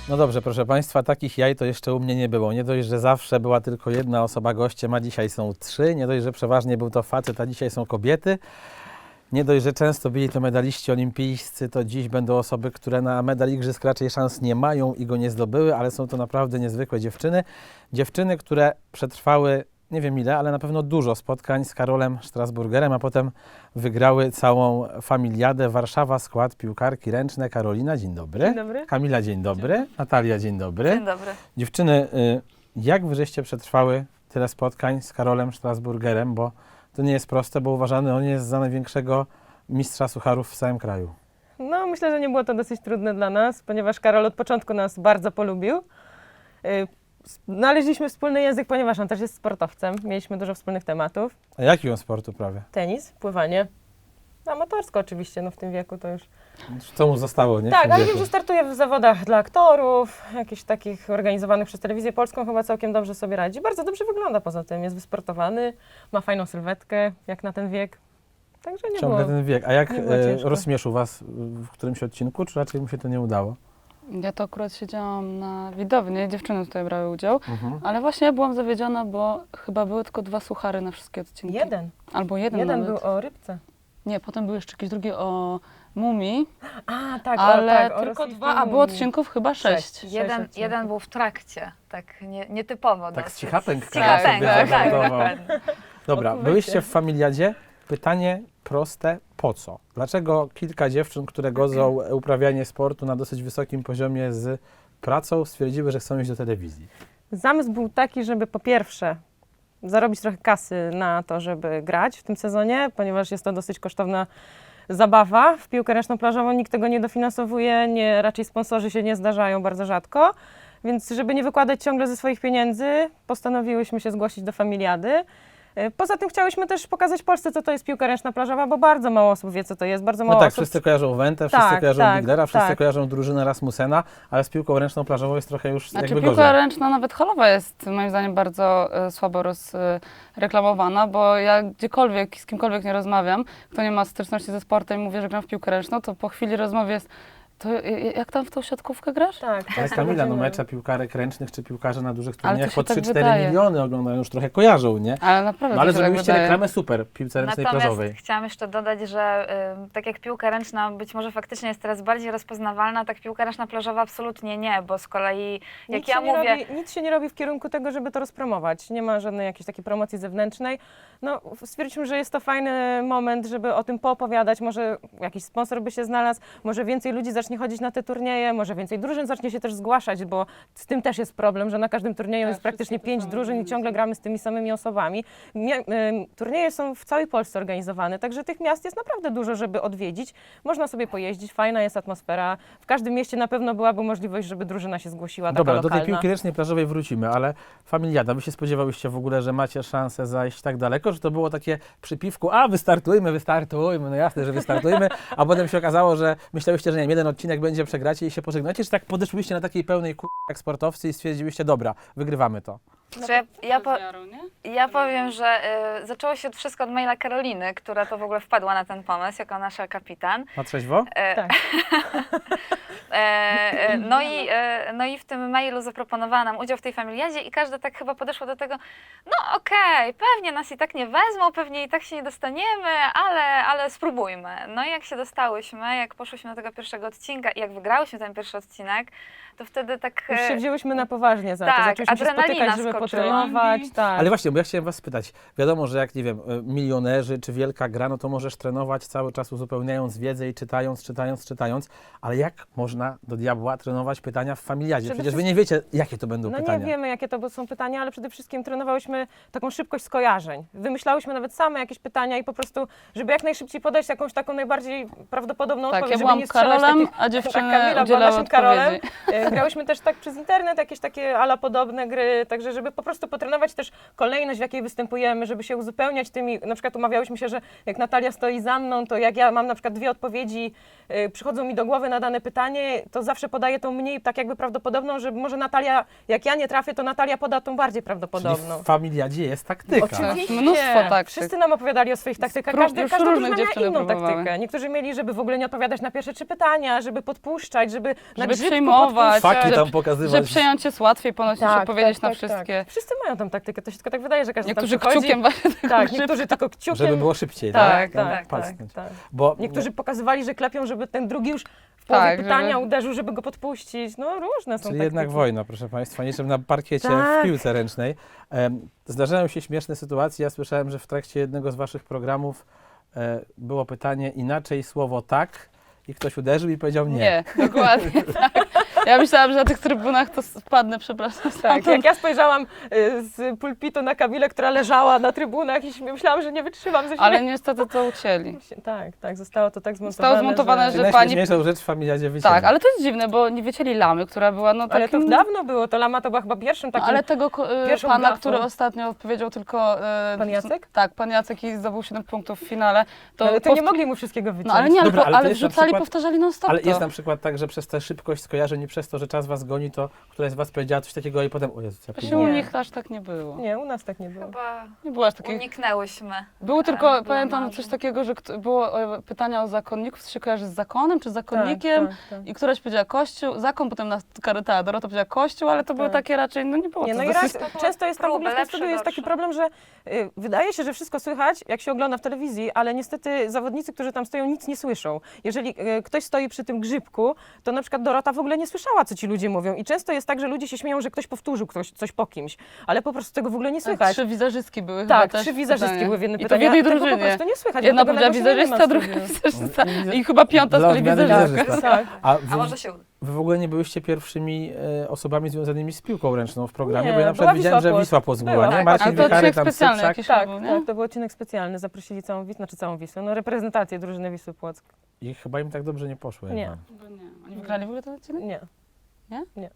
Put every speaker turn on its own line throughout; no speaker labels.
No dobrze, proszę Państwa, takich jaj to jeszcze u mnie nie było. Nie dość, że zawsze była tylko jedna osoba gościem, a dzisiaj są 3. Nie dość, że przeważnie był to facet, a dzisiaj są kobiety. Nie dość, że często byli to medaliści olimpijscy, to dziś będą osoby, które na medal igrzysk raczej szans nie mają i go nie zdobyły, ale są to naprawdę niezwykłe dziewczyny. Dziewczyny, które przetrwały nie wiem ile, ale na pewno dużo spotkań z Karolem Strasburgerem, a potem wygrały całą familiadę. Warszawa, skład piłkarki ręczne. Karolina, dzień dobry.
Dzień dobry.
Kamila, dzień dobry. Natalia, dzień dobry.
Dzień dobry.
Dziewczyny, jak wy żeście przetrwały tyle spotkań z Karolem Strasburgerem, bo to nie jest proste, bo uważany on jest za największego mistrza sucharów w całym kraju.
No, myślę, że nie było to dosyć trudne dla nas, ponieważ Karol od początku nas bardzo polubił. Znaleźliśmy wspólny język, ponieważ on też jest sportowcem. Mieliśmy dużo wspólnych tematów.
A jaki on sportu prawie?
Tenis, pływanie. Amatorsko oczywiście, no w tym wieku to już...
Co mu zostało, nie? W
Tak,
tym
ale
wieku?
wiem, że startuje w zawodach dla aktorów, jakichś takich organizowanych przez Telewizję Polską, chyba całkiem dobrze sobie radzi. Bardzo dobrze wygląda poza tym, jest wysportowany, ma fajną sylwetkę, jak na ten wiek. Także nie
Ciągle
było.
ten wiek. A jak
nie było ciężko.
rozśmieszył was w którymś odcinku, czy raczej mu się to nie udało?
Ja to akurat siedziałam na widowni, dziewczyny tutaj brały udział,
Mhm.
ale właśnie ja byłam zawiedziona, bo chyba były tylko 2 suchary na wszystkie odcinki.
Jeden.
Albo jeden
Jeden
nawet.
był o rybce.
Nie, potem był jeszcze jakiś drugi o mumii,
A, tak,
ale
o
tylko
rosyjskiej
2, a było
mumii.
odcinków chyba 6.
Jeden był w trakcie, tak nietypowo
Tak
dosyć.
z cichapęk
Z cichapęk,
sobie
tak,
zażartował.
dokładnie.
Dobra,
Okuwajcie.
byliście w familiadzie. Pytanie proste, po co? Dlaczego kilka dziewczyn, które godzą uprawianie sportu na dosyć wysokim poziomie z pracą, stwierdziły, że chcą iść do telewizji?
Zamysł był taki, żeby po pierwsze zarobić trochę kasy na to, żeby grać w tym sezonie, ponieważ jest to dosyć kosztowna zabawa. W piłkę ręczną plażową nikt tego nie dofinansowuje, raczej sponsorzy się nie zdarzają bardzo rzadko. Więc żeby nie wykładać ciągle ze swoich pieniędzy, postanowiłyśmy się zgłosić do familiady. Poza tym chciałyśmy też pokazać Polsce, co to jest piłka ręczna plażowa, bo bardzo mało osób wie, co to jest. Bardzo
No
mało
tak,
osób...
wszyscy kojarzą Wentę, wszyscy
Tak,
kojarzą
tak,
Biglera, wszyscy
tak.
kojarzą drużynę Rasmussena, ale z piłką ręczną plażową jest trochę już
Znaczy
jakby
piłka
gorzej.
ręczna, nawet halowa jest moim zdaniem bardzo słabo rozreklamowana, bo ja gdziekolwiek, z kimkolwiek nie rozmawiam, kto nie ma styczności ze sportem i mówię, że gram w piłkę ręczną, to po chwili rozmowy jest, to jak tam w tą siatkówkę grasz?
Tak,
Ale
tak,
Kamila, no
będziemy-
mecze piłkarek ręcznych czy piłkarze na dużych
Ale to
turniejach
się
po
tak
3-4
wydaje.
miliony oglądają, już trochę kojarzą, nie?
Ale naprawdę
No ale
to się tak
zrobiliście
wydaje.
reklamę super piłce ręcznej
Natomiast
plażowej.
chciałam jeszcze dodać, że tak jak piłka ręczna być może faktycznie jest teraz bardziej rozpoznawalna, tak piłka ręczna plażowa absolutnie nie, bo z kolei jak
Nic
ja
się nie
mówię...
nic się nie robi w kierunku tego, żeby to rozpromować. Nie ma żadnej jakiejś takiej promocji zewnętrznej. No, stwierdziliśmy, że jest to fajny moment, żeby o tym poopowiadać. Może jakiś sponsor by się znalazł, może więcej ludzi zacznie chodzić na te turnieje, może więcej drużyn zacznie się też zgłaszać, bo z tym też jest problem, że na każdym turnieju
Tak,
jest praktycznie
wszystkie te
5
same
drużyn i
drużyny
ciągle
są.
gramy z tymi samymi osobami. Turnieje są w całej Polsce organizowane, także tych miast jest naprawdę dużo, żeby odwiedzić. Można sobie pojeździć, fajna jest atmosfera. W każdym mieście na pewno byłaby możliwość, żeby drużyna się zgłosiła, taka
Dobra, do tej
lokalna.
piłki ręcznej plażowej wrócimy, ale familiada, wy się spodziewałyście w ogóle, że macie szansę zajść tak daleko, że to było takie przypiwku, a wystartujmy, no jasne, że wystartujmy, a potem się okazało, że myślałyście, że nie wiem, jeden odcinek będzie, przegracie i się pożegnacie, czy tak podeszłyście na takiej pełnej jak sportowcy i stwierdziliście, dobra, wygrywamy to.
Znaczy,
Wiarą, nie?
ja powiem, że zaczęło się wszystko od maila Karoliny, która to w ogóle wpadła na ten pomysł jako nasza kapitan.
Na trzeźwo?
Tak.
No i w tym mailu zaproponowała nam udział w tej familiadzie i każda tak chyba podeszła do tego, no okej, pewnie nas i tak nie wezmą, pewnie i tak się nie dostaniemy, ale spróbujmy. No i jak się dostałyśmy, jak poszłyśmy do tego pierwszego odcinka i jak wygrałyśmy ten pierwszy odcinek, to wtedy tak...
Już się wzięłyśmy na poważnie za to.
tak,
Zaczęłyśmy się
adrenalina
spotykać, żeby
skoczyła.
potrenować. Tak.
Ale właśnie, bo ja chciałem was spytać, wiadomo, że jak, nie wiem, milionerzy czy wielka gra, no to możesz trenować cały czas uzupełniając wiedzę i czytając, ale jak można do diabła trenować pytania w familiadzie?
Przede
Przecież wy nie wiecie, jakie to będą
No
pytania.
nie wiemy, jakie to są pytania, ale przede wszystkim trenowałyśmy taką szybkość skojarzeń. Wymyślałyśmy nawet same jakieś pytania i po prostu, żeby jak najszybciej podać jakąś taką najbardziej prawdopodobną
Tak,
odpowiedź,
ja
żeby
byłam
nie strzelać
Karolem,
takich...
a dziewczyny
Kamila była
udzielały
naszym Karolem.
odpowiedzi.
Grałyśmy też tak przez internet, jakieś takie ala podobne gry, także żeby żeby po prostu potrenować też kolejność, w jakiej występujemy, żeby się uzupełniać tymi, na przykład umawiałyśmy się, że jak Natalia stoi za mną, to jak ja mam na przykład 2 odpowiedzi, przychodzą mi do głowy na dane pytanie, to zawsze podaję tą mniej tak jakby prawdopodobną, że może Natalia, jak ja nie trafię, to Natalia poda tą bardziej
Czyli
prawdopodobną.
w familiadzie jest taktyka.
Oczywiście.
Mnóstwo taktyk.
Wszyscy nam opowiadali o swoich taktykach.
Już
Każda
różne
drużyna miała
dziewczyny
inną
próbowały.
taktykę. Niektórzy mieli, żeby w ogóle nie odpowiadać na pierwsze 3 pytania, żeby podpuszczać, żeby na
Żeby
grzybku
przejmować,
Faki
podpuszczać.
tam
że
pokazywać.
przejąć jest łatwiej ponoć niż odpowiedzieć na
tak.
wszystkie.
Wszyscy mają tą taktykę, to się tylko tak wydaje, że każdy
Niektórzy
tam przychodzi.
kciukiem właśnie tego
Tak,
grzyba.
niektórzy tylko kciukiem.
Żeby było szybciej,
Tak,
tak?
tak, tak,
Pasnąć.
tak.
Bo
Niektórzy pokazywali, że klepią, żeby ten drugi już w połowie
Tak,
pytania
żeby-
uderzył, żeby go podpuścić. No różne są
Czyli
taktyki.
jednak wojna, proszę Państwa, niczym na parkiecie
Tak.
w piłce ręcznej. Zdarzają się śmieszne sytuacje. Ja słyszałem, że w trakcie jednego z Waszych programów było pytanie inaczej słowo tak i ktoś uderzył i powiedział nie.
Nie, dokładnie tak. Ja myślałam, że na tych trybunach to spadnę, przepraszam.
Tak, jak ja spojrzałam z pulpitu na Kamilę, która leżała na trybunach i myślałam, że nie wytrzymam ze śmiechu.
Ale niestety to ucięli.
Tak, zostało to tak zmontowane.
Zostało zmontowane,
Czyli
że pani-
najśmieszniejszą rzecz w familiadzie wycięli.
Tak, ale to jest dziwne, bo nie wycięli lamy, która była no
Ale
takim...
to dawno było, to Lama to była chyba pierwszym
No,
takim...
ale tego
pierwszą
pana,
gafą.
który ostatnio odpowiedział tylko...
Pan Jacek?
Tak, pan Jacek i zdobył 7 punktów w finale.
ale to nie mogli mu wszystkiego wyciąć.
No ale nie, ale,
Dobra, ale to
ale
jest na
wrzucali,
przykład-
powtarzali non stop
Ale
to.
jest na przykład tak, że przez tę szybkość skojarzeń i przez to, że czas Was goni, to któraś z Was powiedziała coś takiego i potem, o Jezu, ja
Właśnie
próbuję.
u
Nie.
nich aż tak nie było.
Nie, u nas tak nie było.
Chyba
Nie było aż takiej...
uniknęłyśmy.
Było tylko,
było
pamiętam
marzeń.
coś takiego, że było pytania o zakonników, co się kojarzy z zakonem czy zakonnikiem.
Tak.
I któraś powiedziała Kościół, zakon, potem ta Dorota powiedziała Kościół, ale to były
Tak.
takie raczej, no nie było
Nie,
to
no i
dosyć...
raz, często jest tam w ogóle w tym
Lepsze,
studiu jest taki
gorsze.
problem, że wydaje się, że wszystko słychać, jak się ogląda w telewizji, ale niestety zawodnicy, którzy tam stoją, nic nie słyszą. Jeżeli ktoś stoi przy tym grzybku, to na przykład Dorota w ogóle nie słyszała, co ci ludzie mówią. I często jest tak, że ludzie się śmieją, że ktoś powtórzył coś po kimś, ale po prostu tego w ogóle nie słychać.
3 wizerzystki były chyba
Tak,
też
3
w
wizerzystki
pytaniu.
były w jednym
I to w
pytaniu.
jednej
a tego
drużynie.
po prostu nie słychać.
Jedna
dlatego
powiedziała
tego się nie ma
wizerzystka,
w
druga
studiu.
wizerzystka i chyba piąta z
Dla
kolei
odmiany
wizerzystka.
wizerzystka.
Tak.
A
A
wy,
może się uda.
wy w ogóle nie byłyście pierwszymi osobami związanymi z piłką ręczną w programie,
Nie,
bo ja na
była
przykład widziałem, że
Wisła
Wisła Płock była,
Była,
nie?
tak.
Marcin
Ale to
Wichary,
odcinek
tam
specjalny
Sypszak.
jakiś
Tak,
był, nie?
tak, to był odcinek specjalny. Zaprosili całą Wisłę, całą Wisłę, no reprezentację drużyny Wisły Płock.
I chyba im tak dobrze nie poszło.
Nie.
jednak.
Chyba nie. Oni wygrali w ogóle ten odcinek?
Nie.
Nie?
Nie.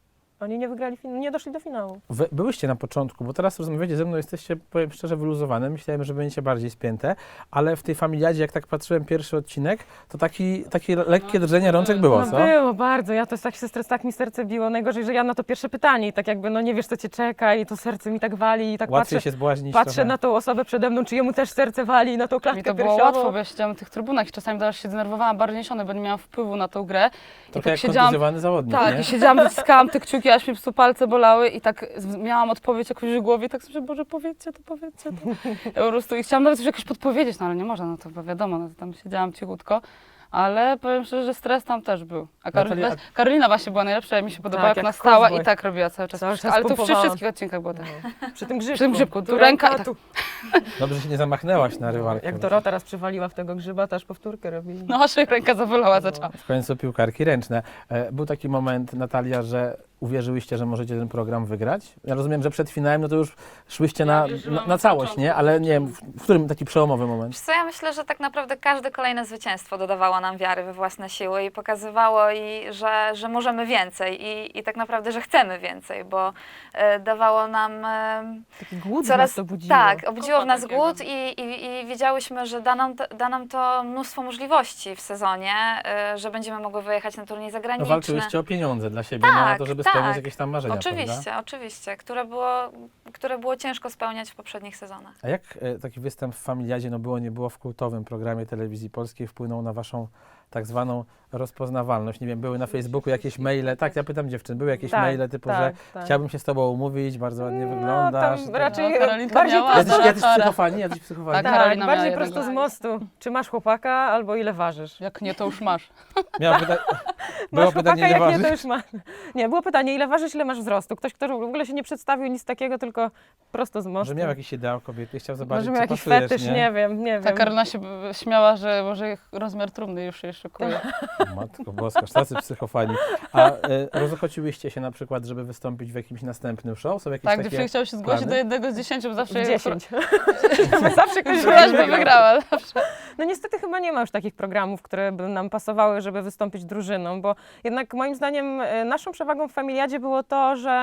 Oni nie wygrali, nie doszli do finału.
Wy byłyście na początku, bo teraz rozmawiacie ze mną, jesteście, powiem szczerze, wyluzowane. Myślałem, że będziecie bardziej spięte, ale w tej familiadzie, jak tak patrzyłem pierwszy odcinek, to takie lekkie drżenie rączek było,
No
co?
było bardzo, ja to jest tak mi serce biło. Najgorzej, że ja na to pierwsze pytanie i tak jakby no nie wiesz, co cię czeka i to serce mi tak wali i tak
Łatwiej się zbłaźnić
patrzę
trochę.
na tą osobę przede mną, czy jemu też serce wali, na tą klatkę
Mi to było
piersiową.
łatwo, bo ja siedziałam w tych trybunach i czasami też się denerwowałam bardziej niż one, bo nie miałam wpływu na tą grę. I
Trochę
tak
jak
siedziałam,
kontuzjowany zawodnik,
tak,
nie?
i siedziałam, wyciskałam te kciuki, aż mi po prostu palce bolały i tak miałam odpowiedź jakąś w głowie i tak sobie, Boże, powiedzcie to. Ja po prostu i chciałam nawet już jakoś podpowiedzieć, no ale nie można, no to wiadomo, no to tam siedziałam cichutko. Ale powiem szczerze, że stres tam też był. A
Natalia,
Karolina właśnie była najlepsza, mi się podobała,
Tak,
jak
jak
ona stała
cowboy.
i tak robiła cały czas.
Cały czas
Ale to przy
pompowała.
wszystkich odcinkach było tak.
Przy tym grzybku.
Przy tym grzybku, tu ręka i tak.
tu.
Dobrze, że się nie zamachnęłaś na rywalkę.
Jak Dorota raz przywaliła w tego grzyba, to aż powtórkę robili.
No aż jej ręka zabolała, zaczęła.
W końcu piłkarki ręczne. Był taki moment, Natalia, że uwierzyłyście, że możecie ten program wygrać? Ja rozumiem, że przed finałem no to już szłyście na całość, nie? Ale nie wiem, w którym taki przełomowy moment?
Wiesz co, ja myślę, że tak naprawdę każde kolejne zwycięstwo dodawało nam wiary we własne siły i pokazywało, że możemy więcej i tak naprawdę, że chcemy więcej, bo dawało nam
Taki głód
coraz...
nas to budziło.
Tak, obudziło w nas
takiego.
głód i wiedziałyśmy, że da nam to mnóstwo możliwości w sezonie, że będziemy mogły wyjechać na turniej
No,
zagraniczny.
walczyłyście o pieniądze dla siebie, no, na to, żeby spełniać jakieś tam marzenia, prawda?
Oczywiście, które było ciężko spełniać w poprzednich sezonach.
A jak taki występ w Familiadzie, no było, nie było, w kultowym programie telewizji polskiej wpłynął na waszą tak zwaną rozpoznawalność? Nie wiem, były na Facebooku jakieś maile, tak, ja pytam dziewczyn, były jakieś maile typu, że chciałbym się z tobą umówić, bardzo ładnie wyglądasz.
Tam
tak.
raczej
No, Karolinka
bardziej
miała
prosto,
Jacyś psychofani, jacyś psychofani.
Tak,
tak,
Karolina miała
bardziej
jednego.
prosto z mostu. Czy masz chłopaka, albo ile ważysz?
Jak nie, to już masz.
Miała było
Masz chłopaka,
pytanie, nie
jak nie,
ważysz?
to już masz. Nie, było pytanie, ile ważysz, ile masz wzrostu. Ktoś, kto w ogóle się nie przedstawił, nic takiego, tylko prosto z mostu.
Może miał jakiś ideał kobiety, chciał zobaczyć,
Może miał
co
jakiś
pasujesz,
fetysz, nie wiem.
Ta Karolina się śmiała, że może rozmiar trumny już się szykuje.
Matko boska, tacy psychofani. A rozochociłyście się na przykład, żeby wystąpić w jakimś następnym show? Są jakieś
Tak,
takie...
dziewczyny chciały się zgłosić
plany?
do jednego z 10, bo zawsze
10. Zawsze ktoś
Któraś by wygrała. Zawsze.
No niestety chyba nie ma już takich programów, które by nam pasowały, żeby wystąpić drużyną, bo jednak moim zdaniem naszą przewagą w Familiadzie było to, że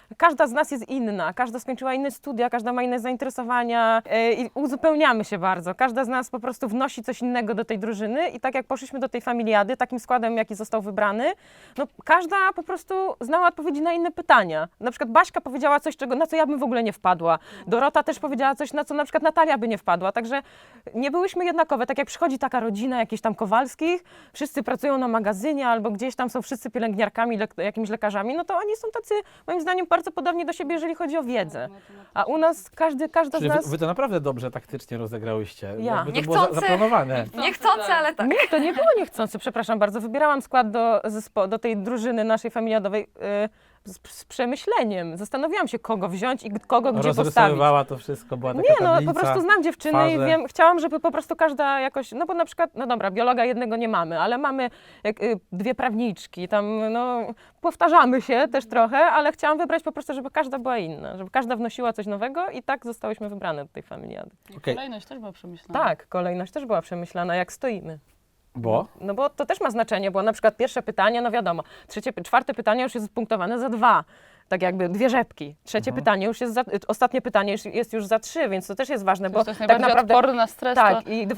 każda z nas jest inna, każda skończyła inne studia, każda ma inne zainteresowania i uzupełniamy się bardzo. Każda z nas po prostu wnosi coś innego do tej drużyny i tak jak poszliśmy do tej familiady, takim składem, jaki został wybrany, no każda po prostu znała odpowiedzi na inne pytania. Na przykład Baśka powiedziała coś, na co ja bym w ogóle nie wpadła. Dorota też powiedziała coś, na co na przykład Natalia by nie wpadła. Także nie byłyśmy jednakowe. Tak jak przychodzi taka rodzina jakichś tam Kowalskich, wszyscy pracują na magazynie albo gdzieś tam są wszyscy pielęgniarkami, jakimiś lekarzami, no to oni są tacy, moim zdaniem, bardzo podobni do siebie, jeżeli chodzi o wiedzę. A u nas każda z
Czyli
nas...
wy to naprawdę dobrze taktycznie rozegrałyście.
Ja.
Jakby to było
Niechcący.
zaplanowane.
Niechcący, ale tak.
Nie, to nie było niechcący, przepraszam bardzo. Wybierałam skład do tej drużyny naszej familiadowej z przemyśleniem. Zastanawiałam się, kogo wziąć i kogo gdzie postawić.
Rozrysowywała to wszystko, była taka
Nie, no
tablica,
po prostu znam dziewczyny i
twarze.
wiem, chciałam, żeby po prostu każda jakoś, no bo na przykład, no dobra, biologa jednego nie mamy, ale mamy dwie prawniczki, tam no powtarzamy się też trochę, ale chciałam wybrać po prostu, żeby każda była inna, żeby każda wnosiła coś nowego i tak zostałyśmy wybrane do tej familiady.
Okej.
Kolejność też była przemyślana.
Tak, kolejność też była przemyślana, jak stoimy.
Bo?
No bo to też ma znaczenie, bo na przykład pierwsze pytanie, no wiadomo, czwarte pytanie już jest punktowane za 2, tak jakby 2 rzepki. Trzecie pytanie już jest ostatnie pytanie jest już za 3, więc to też jest ważne, bo
To jest
tak
najbardziej
naprawdę...
odporny na stres.
Tak,
To,
i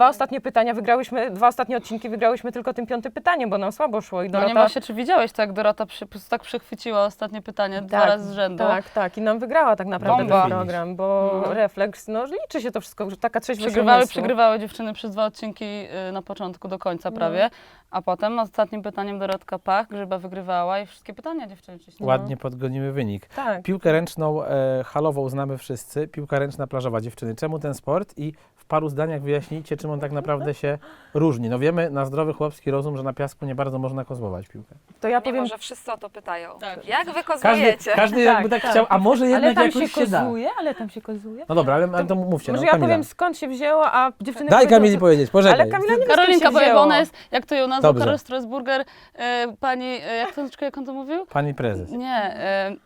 2 ostatnie odcinki wygrałyśmy tylko tym 5. pytaniem, bo nam słabo szło i
no
Dorota...
nie ma się, czy widziałeś to, jak Dorota po prostu tak przechwyciła ostatnie pytanie 2 razy z rzędu.
Tak, i nam wygrała tak naprawdę
Bomba.
ten program, bo refleks, no liczy się to wszystko, że taka trzeźwość umysłu.
Przegrywały dziewczyny przez 2 odcinki na początku do końca prawie, a potem ostatnim pytaniem Dorotka Pach, Grzyba wygrywała i wszystkie pytania dziewczyny ciśniły.
Ładnie podgoniły wynik.
Tak.
Piłkę ręczną halową znamy wszyscy, piłka ręczna plażowa, dziewczyny. Czemu ten sport? I w paru zdaniach wyjaśnijcie, czym on tak naprawdę się różni. No wiemy na zdrowy chłopski rozum, że na piasku nie bardzo można kozłować piłkę.
To ja
Mimo,
powiem,
że wszyscy o to pytają.
Tak.
Jak wy
Każdy,
kozujecie?
każdy jakby tak chciał, a może
ale
jednak
tam
jakoś
się
się da.
kozuje, ale tam się kozuje.
No dobra, ale to mówcie,
Może
no
ja
Kamila.
powiem, skąd się wzięło, a dziewczyny
Daj
powiedzą,
Kamili powiedzieć, poczekaj.
Ale Kamila nie wie, skąd
Karolinka,
się
bo jakby
wzięło.
ona jest, jak to ją nazwał,
Dobrze.
Karol Strasburger, pani, jak on to mówił?
Pani prezes.
Nie,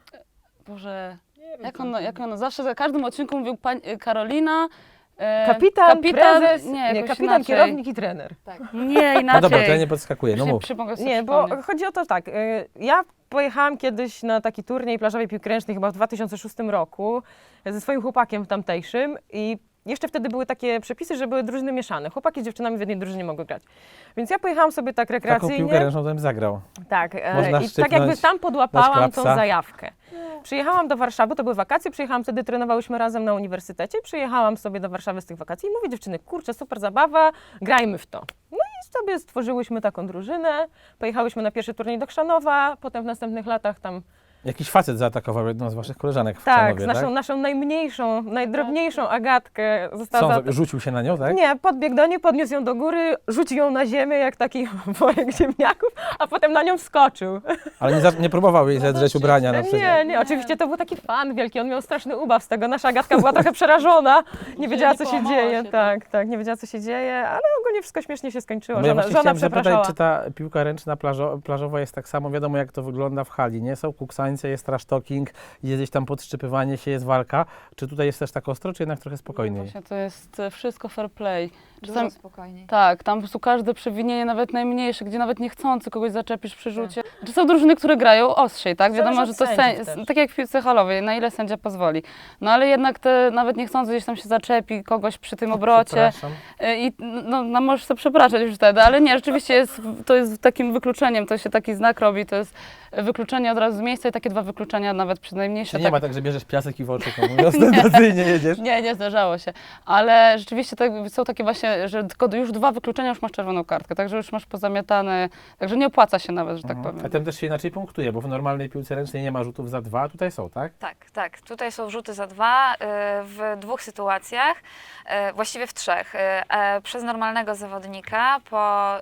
Boże, jak on zawsze za każdym odcinku mówił Karolina,
Kapitan, prezes,
nie,
nie,
jakoś
kapitan,
inaczej.
kierownik i trener.
Nie, inaczej.
No dobra, to ja nie podskakuję, no
Już
mów.
mogę sobie
Nie, bo
przypomnieć.
chodzi o to tak, ja pojechałam kiedyś na taki turniej plażowej piłki ręcznej chyba w 2006 roku ze swoim chłopakiem tamtejszym i jeszcze wtedy były takie przepisy, że były drużyny mieszane. Chłopaki z dziewczynami w jednej drużynie mogły grać. Więc ja pojechałam sobie tak
Taką
rekreacyjnie.
piłkę ręczną to bym zagrał.
Tak,
Można
i tak
szczypnąć,
jakby tam
dać
podłapałam tą
klapsa.
zajawkę. Przyjechałam do Warszawy, to były wakacje, przyjechałam wtedy, trenowałyśmy razem na uniwersytecie, przyjechałam sobie do Warszawy z tych wakacji i mówię dziewczyny, kurczę, super zabawa, grajmy w to. No i sobie stworzyłyśmy taką drużynę, pojechałyśmy na pierwszy turniej do Chrzanowa, potem w następnych latach tam,
Jakiś facet zaatakował jedną z waszych koleżanek w
tak,
Chrzanowie,
z naszą najmniejszą, najdrobniejszą Agatkę została
Co on rzucił się na nią, tak?
Nie, podbiegł do niej, podniósł ją do góry, rzucił ją na ziemię jak taki worek ziemniaków, a potem na nią wskoczył.
Ale nie próbował jej zedrzeć ubrania na przykład.
Nie, oczywiście to był taki fan wielki, on miał straszny ubaw z tego. Nasza Agatka była trochę przerażona, nie wiedziała co się
połamała
dzieje,
się,
tak, nie wiedziała co się dzieje, ale ogólnie wszystko śmiesznie się skończyło,
No ja
żona
właśnie chciałem zapytać,
przepraszała.
czy ta piłka ręczna plażowa jest tak samo, wiadomo jak to wygląda w hali, nie? Są kuksańce, jest trash talking, jest gdzieś tam podszczypywanie się, jest walka. Czy tutaj jest też tak ostro, czy jednak trochę spokojniej?
Właśnie to jest wszystko fair play.
Dużo spokojniej.
Tak, tam po prostu każde przewinienie, nawet najmniejsze, gdzie nawet niechcący kogoś zaczepisz przy rzucie. Czy są drużyny, które grają ostrzej, tak?
Zależy
Wiadomo,
od
że to
sędziów też.
tak jak w piłce halowej, na ile sędzia pozwoli. No ale jednak te nawet niechcący gdzieś tam się zaczepi kogoś przy tym obrocie
Przepraszam.
i no możesz sobie przepraszać już wtedy, ale nie, rzeczywiście to jest takim wykluczeniem, to się taki znak robi, to jest wykluczenie od razu z miejsca i takie 2 wykluczenia nawet przy najmniejsze.
Czy nie ma tak, że bierzesz piasek i w oczy komuś ostentacyjnie jedziesz?
Nie zdarzało się, ale rzeczywiście są takie właśnie, że tylko już 2 wykluczenia już masz czerwoną kartkę, także już masz pozamiatane, także nie opłaca się nawet, że tak
A
powiem.
tym też się inaczej punktuje, bo w normalnej piłce ręcznej nie ma rzutów za 2, a tutaj są, tak?
Tak. Tutaj są rzuty za 2 w 2 sytuacjach, właściwie w 3. Przez normalnego zawodnika po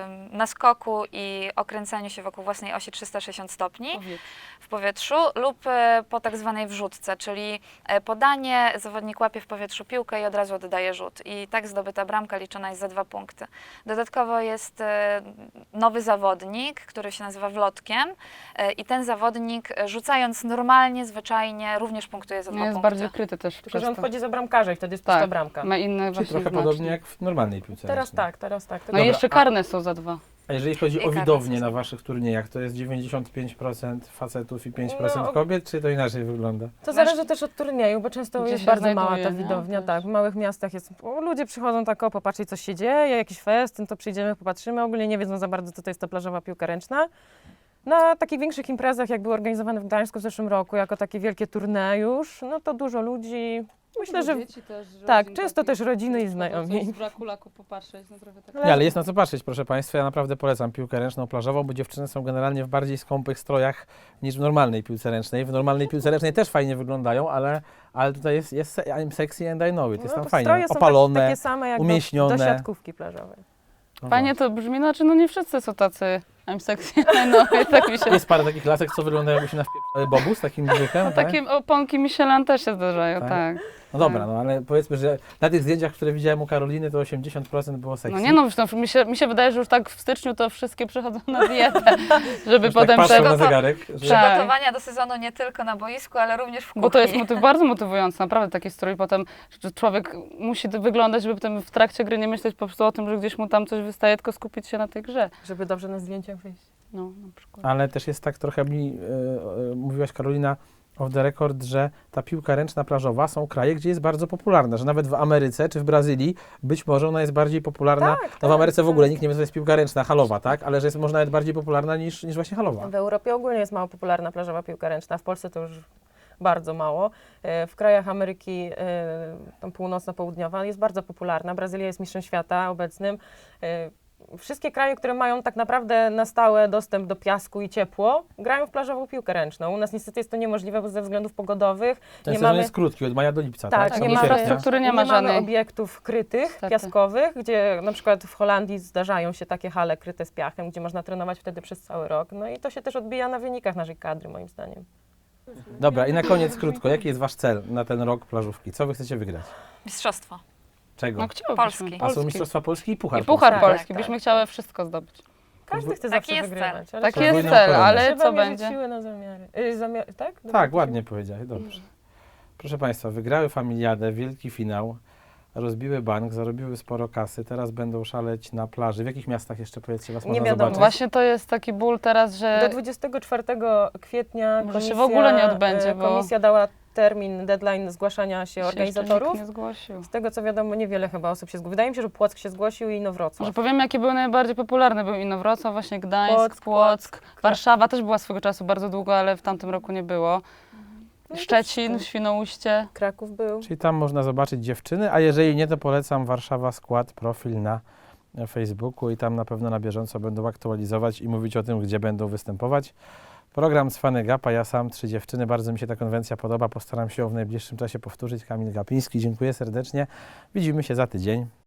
naskoku i okręcaniu się wokół własnej osi 360 stopni w powietrzu lub po tak zwanej wrzutce, czyli podanie, zawodnik łapie w powietrzu piłkę i od razu oddaje rzut. I tak zdobyta bramka liczona jest za 2 punkty. Dodatkowo jest nowy zawodnik, który się nazywa wlotkiem i ten zawodnik rzucając normalnie, zwyczajnie również punktuje za 2
Nie, jest
punkty.
bardziej kryty też
Tylko,
przez
że on
to.
wchodzi za bramkarza i wtedy jest pusta
Tak,
bramka.
ma inne
Czyli
właśnie
trochę
znaki.
podobnie jak w normalnej piłce
Teraz
ręcznej.
tak.
No
Dobra,
i jeszcze karne są za 2.
A jeżeli chodzi
I
o
karne
widownię
są.
na waszych turniejach, to jest 95% facetów i 5%
No.
kobiet, czy to inaczej wygląda?
To zależy też od turnieju, bo często
Gdzie
jest
się
bardzo mała
znajduje,
ta
nie?
widownia.
Też.
Tak, w małych miastach jest. Ludzie przychodzą tak, o, popatrzeć, co się dzieje, jakiś festyn, to przyjdziemy, popatrzymy. Ogólnie nie wiedzą za bardzo, co to jest ta plażowa piłka ręczna. Na takich większych imprezach, jak były organizowane w Gdańsku w zeszłym roku, jako takie wielkie turnieje już, no to dużo ludzi. Myślę, że tak, często też rodziny i znajomi.
Z braku laku popatrzeć, no trochę tak.
Nie, ale jest na co patrzeć, proszę Państwa. Ja naprawdę polecam piłkę ręczną plażową, bo dziewczyny są generalnie w bardziej skąpych strojach niż w normalnej piłce ręcznej. W normalnej piłce ręcznej też fajnie wyglądają, ale tutaj jest I'm sexy and I know it. Jest tam
No,
fajnie,
stroje są
opalone.
takie same jak
umieśnione.
do siatkówki plażowej.
No
Fajnie to brzmi, znaczy no nie wszyscy są tacy I'm sexy, no i tak mi się...
Jest parę takich lasek, co wyglądają jakby się na bobu z takim brzuchem, tak?
Takie oponki Michelin też się zdarzają,
Tak?
tak.
No dobra, no ale powiedzmy, że na tych zdjęciach, które widziałem u Karoliny, to 80% było sexy.
No nie no, zresztą mi się wydaje, że już tak w styczniu to wszystkie przechodzą na dietę, żeby
Już
potem
tak patrzą
te...
na zegarek, że...
Tak.
Przygotowania do sezonu nie tylko na boisku, ale również w kuchni.
Bo to jest bardzo motywujące, naprawdę taki strój potem, że człowiek musi wyglądać, żeby potem w trakcie gry nie myśleć po prostu o tym, że gdzieś mu tam coś wystaje, tylko skupić się na tej grze.
Żeby dobrze na zdjęciach wyjść.
No, na przykład.
Ale też jest tak trochę mówiłaś Karolina off the record, że ta piłka ręczna plażowa są kraje, gdzie jest bardzo popularna, że nawet w Ameryce czy w Brazylii być może ona jest bardziej popularna.
Tak,
No w Ameryce
tak,
w ogóle
tak.
nikt nie wie, co to jest piłka ręczna, halowa, tak? Ale że jest może nawet bardziej popularna niż właśnie halowa.
W Europie ogólnie jest mało popularna plażowa piłka ręczna, w Polsce to już bardzo mało. W krajach Ameryki tam północno-południowa jest bardzo popularna. Brazylia jest mistrzem świata obecnym. Wszystkie kraje, które mają tak naprawdę na stałe dostęp do piasku i ciepło, grają w plażową piłkę ręczną. U nas niestety jest to niemożliwe, bo ze względów pogodowych
Ten
nie
sezon
mamy...
jest krótki, od maja do lipca,
Tak,
tak?
nie
Do
ma
sierpnia.
infrastruktury, nie ma
mamy
żadnej.
obiektów krytych,
Niestety.
piaskowych, gdzie na przykład w Holandii zdarzają się takie hale kryte z piachem, gdzie można trenować wtedy przez cały rok. No i to się też odbija na wynikach naszej kadry, moim zdaniem.
Dobra, i na koniec krótko, jaki jest wasz cel na ten rok plażówki? Co wy chcecie wygrać?
Mistrzostwo.
Czego?
No chciałobyśmy.
Polski.
A są Mistrzostwa Polski i Puchar
I Puchar
Polski.
Tak,
Polski,
tak.
byśmy chciały wszystko zdobyć.
Każdy chce
Taki
zawsze
jest
wygrywać.
cel.
ale
Taki
trzeba-
jest
Podwójną
cel,
koronę.
ale
trzeba
co
mierzyć
będzie?
siły na zamiary. Tak?
Tak, ładnie powiedziałeś, dobrze. Proszę Państwa, wygrały Familiadę, wielki finał, rozbiły bank, zarobiły sporo kasy, teraz będą szaleć na plaży. W jakich miastach jeszcze, powiedzcie, was
Nie
można
wiadomo.
zobaczyć?
Właśnie to jest taki ból teraz,
Do
że
24 kwietnia
Może się
komisja,
w ogóle nie odbędzie, bo-
komisja dała termin, deadline zgłaszania się
się
organizatorów.
jeszcze nikt nie zgłosił.
Z tego co wiadomo, niewiele chyba osób się zgłosiło. Wydaje mi się, że Płock się zgłosił i Inowrocław.
Może powiemy, jakie były najbardziej popularne. Był Inowrocław, właśnie Gdańsk,
Płock,
Płock, Warszawa też była swego czasu bardzo długo, ale w tamtym roku nie było.
No i to
Szczecin,
wszystko.
Świnoujście.
Kraków był.
Czyli tam można zobaczyć dziewczyny, a jeżeli nie, to polecam Warszawa Skład, profil na Facebooku i tam na pewno na bieżąco będą aktualizować i mówić o tym, gdzie będą występować. Program Cwany Gap, a ja sam 3 dziewczyny. Bardzo mi się ta konwencja podoba. Postaram się ją w najbliższym czasie powtórzyć. Kamil Gapiński, dziękuję serdecznie. Widzimy się za tydzień.